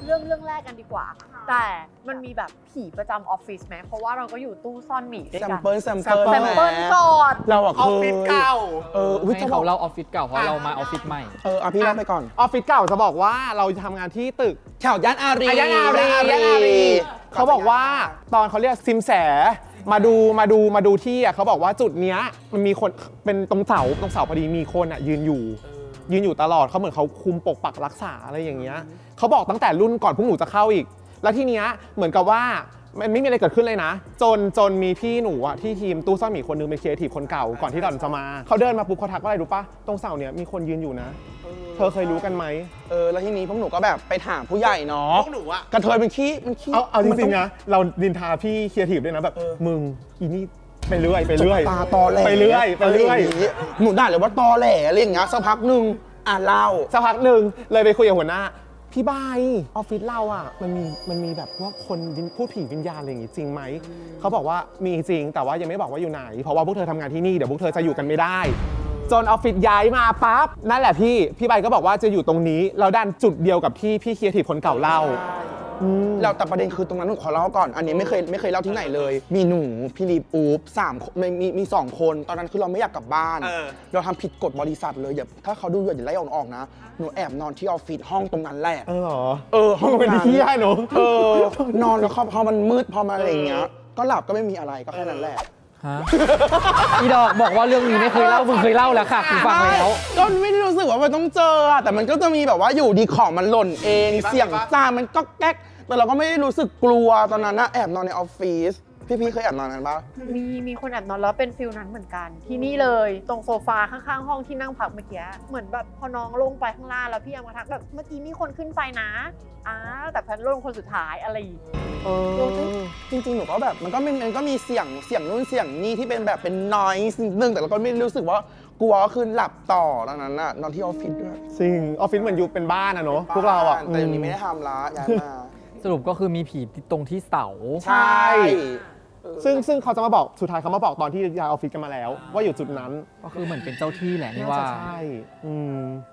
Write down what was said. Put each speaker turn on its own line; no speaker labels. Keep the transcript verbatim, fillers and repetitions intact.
เรื่องเรื่องแรกกันดีกว่าแต่มันมีแบบผีประจำออฟฟิศไหมเพราะว่าเราก็อยู่ตู้ซ่อนหมีด้วย
แซ
กั
ม
น
เปิลแซม
แซ
เปิล
มเปิลก่อน
เราอะ
อ
เค
อฟฟิศ
ย
เก่า
เอออุ้ย
ให้
จะบอ
เขา
ก
เล่าออฟฟิศเก่าเพราะเรามาออฟฟิศใหม่
เออเอาพี่เล่าไปก่อน
ออฟฟิศเก่าจะบอกว่าเราทำงานที่ตึก
แถวย่านอารี
อ่ะย่านอารีย่านอารีเขาบอกว่าตอนเขาเรียกซิมแสมาดูมาดูมาดูที่อ่ะเขาบอกว่าจุดเนี้ยมันมีคนเป็นตรงเสาตรงเสาพอดีมีคนอ่ะยืนอยู่ ยืนอยู่ตลอดเขาเหมือนเขาคุมปกปักรักษาอะไรอย่างเงี้ยเขาบอกตั้งแต่รุ่นก่อนพวกหนูจะเข้าอีก แล้วทีเนี้ยเหมือนกับว่ามันไม่มีอะไรเกิดขึ้นเลยนะ จนจนมีพี่หนูอะที่ทีมตู้ซ่อนหมีคนนึงเป็นครีเอทีฟคนเก่าก่อนที่ดอนจะมาเขาเดินมาปุ๊บเขาทักว่าอะไรรู้ปะตรงเสาเนี้ยมีคนยืนอยู่นะ เธอเคยรู้กันไหม
เออแล้วทีนี้พวกหนูก็แบบไปถามผู้ใหญ่เนาะ
พวกหนูอะ
กระเทยมันขี้มันขี้
เอาเอาจ
มัน
ริ
ต้
งๆนะเราดินทาพี่ครีเอทีฟด้วยนะแบบมึงอีนี่ไปเรื่อยไปเรื่อย
ตาตอแหล
ไปเรื่อยไปเรื่อย
ะางงี้หนูด่าเลยว่าตอแหลอะไรอย่างเงี้ยสักพักหนึ่งอ่ะเล่า
สักพักหนึ่งเลยไปคุยกับหัวหน้าพี่บายออฟฟิศเราอ่ะมันมีมันมีแบบพวกคนพูดผีวิญญาณอะไรอย่างงี้จริงไหมเขาบอกว่ามีจริงแต่ว่ายังไม่บอกว่าอยู่ไหน เพราะว่าพวกเธอทำงานที่นี่เดี๋ยวพวกเธอจะอยู่กันไม่ได้ จนออฟฟิศย้ายมาปั๊บนั่นแหละพี่พี่ใบก็บอกว่าจะอยู่ตรงนี้เราด้านจุดเดียวกับที่พี่ครีเอทีฟคนเก่าเล่า
เราแต่ประเด็นคือตรงนั้นหนูขอเล่าก่อน อันนี้ไม่เคยไม่เคยเล่าที่ไหนเลย มีหนูพี่ลีปู๊บสามคนมีมีมีสองคนตอนนั้นคือเราไม่อยากกลับบ้าน
เออ
เราทำผิดกฎบริษัทเลยอย่าถ้าเขาดูอย่าไล่ออกออกนะหนูแอบนอนที่ออฟฟิศห้องตรงนั้นแหละ
เออเหรอ
เออห้อง
เป็น
นั้น
ที่ให้หนู
เออนอนแล้วพอพอมันมืดพอมาอะไรอย่างเงี้ยก็หลับก็ไม่มีอะไรก็แค่นั้นแหละ
ฮะ อีดอกบอกว่าเรื่องนี้ไม่เคยเล่า มึงเคยเล่าแล้วค่ะกูฟังแล้ว
ก็ไม่ได้รู้สึกว่ามันต้องเจออะแต่มันก็จะมีแบบว่าอยู่ดีของมันหล่นเองเสียงจานมันก็แก๊กแต่เราก็ไม่ได้รู้สึกกลัวตอนนั้นนะแอบนอนในออฟฟิศพี่ๆเคยแอบนอนกันปะ
มีมีคนแอบนอนแล้วเป็นฟิลนั้นเหมือนกัน ที่นี่เลยตรงโซฟาข้างๆ ห้องที่นั่งพักเมื่อกี้เหมือนแบบพอน้องลงไปข้างล่างแล้วพี่ยังมาทักแบบเมื่อกี้มีคนขึ้นไปนะอ้าแต่แพนลงคนสุดท้ายอะไรอย่างงี้
เออจริงๆหนูก็แบบมันก็มีมันก็มีเสียงเสียงนู่นเสียงนี่ที่เป็นแบบเป็นนอยส์นิดนึงแต่เราก็ไม่รู้สึกว่ากลัวก็คือหลับต่อตอนนั้นน่ะนอนที่ออฟฟิศด้วย
จริงออฟฟิศเหมือนอยู่เป็นบ้านอะเนาะพวกเราอะ
แต่เดี๋ยวนี้ไม่ได้ทำละย้ายมา
สรุปก็คือมีผีตรงที่เสา
ใช่ ซึ่งซึ่งเขาจะมาบอกสุดท้ายเขามาบอกตอนที่ย้ายออฟฟิศกันมาแล้ว ว่าอยู่จุดนั้น
ก็คือเหมือนเป็นเจ้าที่แหละนี่
น่า
ว่า
จะใช่อืม